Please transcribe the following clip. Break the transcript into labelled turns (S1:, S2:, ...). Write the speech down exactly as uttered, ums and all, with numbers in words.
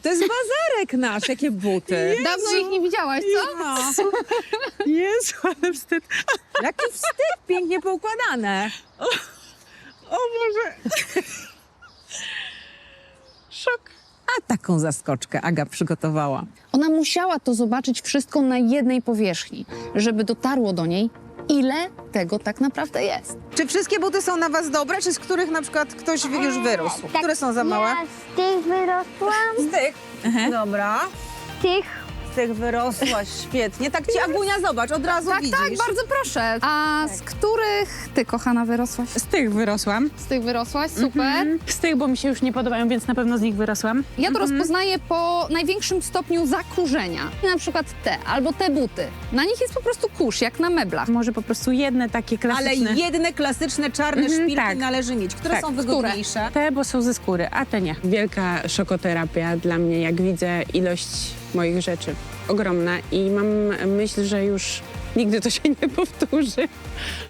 S1: To jest bazarek nasz, jakie buty.
S2: Dawno ich nie widziałaś, co?
S1: No.
S3: Jezu, ale wstyd.
S1: Jaki wstyd, pięknie poukładane.
S3: O Boże. Szok.
S1: A taką zaskoczkę Aga przygotowała.
S2: Ona musiała to zobaczyć wszystko na jednej powierzchni, żeby dotarło do niej, ile tego tak naprawdę jest.
S1: Czy wszystkie buty są na was dobre, czy z których na przykład ktoś już wyrósł? Które są za małe?
S4: Ja z tych wyrosłam,
S1: Z tych. Dobra.
S4: z tych
S1: Z tych wyrosłaś, świetnie. Tak ci, Agunia, zobacz, od razu
S2: Tak,
S1: widzisz.
S2: tak, bardzo proszę. A z których ty, kochana, wyrosłaś?
S3: Z tych wyrosłam.
S2: Z tych wyrosłaś? Super.
S3: Z tych, bo mi się już nie podobają, więc na pewno z nich wyrosłam.
S2: Ja to rozpoznaję po największym stopniu zakurzenia. Na przykład te albo te buty. Na nich jest po prostu kurz, jak na meblach.
S3: Może po prostu jedne takie
S1: Ale
S3: klasyczne.
S1: jedne klasyczne czarne
S3: Mhm,
S1: szpilki
S3: tak.
S1: należy mieć. Które
S3: Tak.
S1: są wygodniejsze?
S3: Te, bo są ze skóry, a te nie. Wielka szokoterapia dla mnie, jak widzę ilość moich rzeczy. Ogromna i mam myśl, że już nigdy to się nie powtórzy.